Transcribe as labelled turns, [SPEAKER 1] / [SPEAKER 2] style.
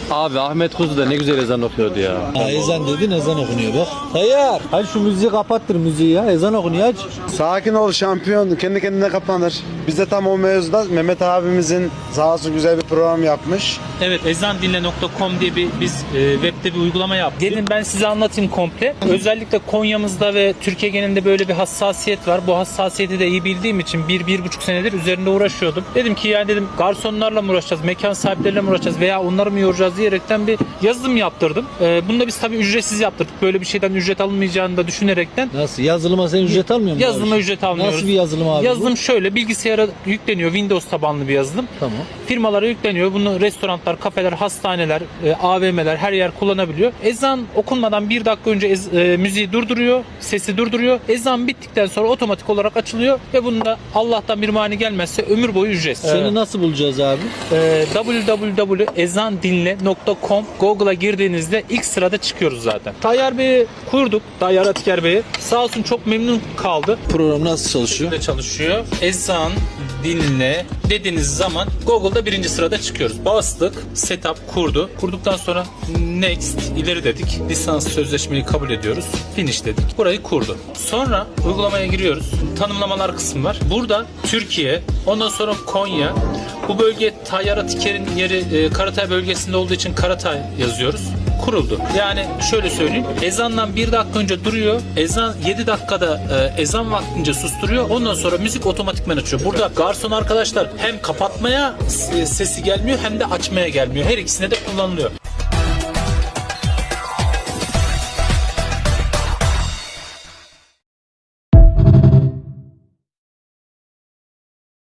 [SPEAKER 1] Abi Ahmet Kuzu da ne güzel ezan okuyordu ya.
[SPEAKER 2] Ha, ezan dedin, ezan okunuyor bak. Tayyar. Hadi şu müziği kapattır müziği ya. Ezan okunuyor aç.
[SPEAKER 3] Sakin ol şampiyon. Kendi kendine kapanır. Biz de tam o mevzuda Mehmet abimizin sağ olsun güzel bir program yapmış.
[SPEAKER 4] Evet, ezandinle.com diye biz webde bir uygulama yaptık. Gelin ben size anlatayım komple. Özellikle Konya'mızda ve Türkiye genelinde böyle bir hassasiyet var. Bu hassasiyeti de iyi bildiğim için 1-1,5 senedir üzerinde uğraşıyordum. Dedim ki ya dedim garsonlarla mı uğraşacağız, mekan sahipleriyle mi uğraşacağız veya onları mı yoracağız diyerekten bir yazılım yaptırdım. Bunu da biz tabii ücretsiz yaptırdık. Böyle bir şeyden ücret alınmayacağını da düşünerekten.
[SPEAKER 2] Nasıl? Yazılıma sen ücret almıyor musun?
[SPEAKER 4] Yazılıma ücret almıyoruz.
[SPEAKER 2] Nasıl bir yazılım abi
[SPEAKER 4] Yazılım şöyle, bilgisayara yükleniyor. Windows tabanlı bir yazılım.
[SPEAKER 2] Tamam.
[SPEAKER 4] Firmalara yükleniyor. Bunu restoranlar, kafeler, hastaneler, AVM'ler her yer kullanabiliyor. Ezan okunmadan 1 dakika önce müziği durduruyor, sesi durduruyor. Ezan bittikten sonra otomatik olarak açılıyor ve bunda Allah'tan bir mani gelmezse ömür boyu ücretsiz.
[SPEAKER 2] Seni nasıl bulacağız abi?
[SPEAKER 4] www.ezandinle.com Google'a girdiğinizde ilk sırada çıkıyoruz zaten. Tayyar Bey'i kurduk. Tayyar Atiker Bey'i. Sağ olsun çok memnun kaldı.
[SPEAKER 2] Program nasıl çalışıyor?
[SPEAKER 4] De çalışıyor. Ezan dinle dediğiniz zaman Google'da 1. sırada çıkıyoruz. Bastık, setup kurdu. Kurduktan sonra next ileri dedik. Lisans sözleşmeyi kabul ediyoruz. Finish dedik. Burayı kurdu. Sonra uygulamaya giriyoruz. Tanımlamalar kısmı var. Burada Türkiye, ondan sonra Konya. Bu bölge Tayyar Atiker'in yeri Karatay bölgesinde olduğu için Karatay yazıyoruz. Kuruldu. Yani şöyle söyleyeyim. Ezandan 1 dakika önce duruyor. Ezan 7 dakikada ezan vaktince susturuyor. Ondan sonra müzik otomatikman açıyor. Burada garson arkadaşlar hem kapatmaya sesi gelmiyor hem de açmaya gelmiyor. Her ikisine de kullanılıyor.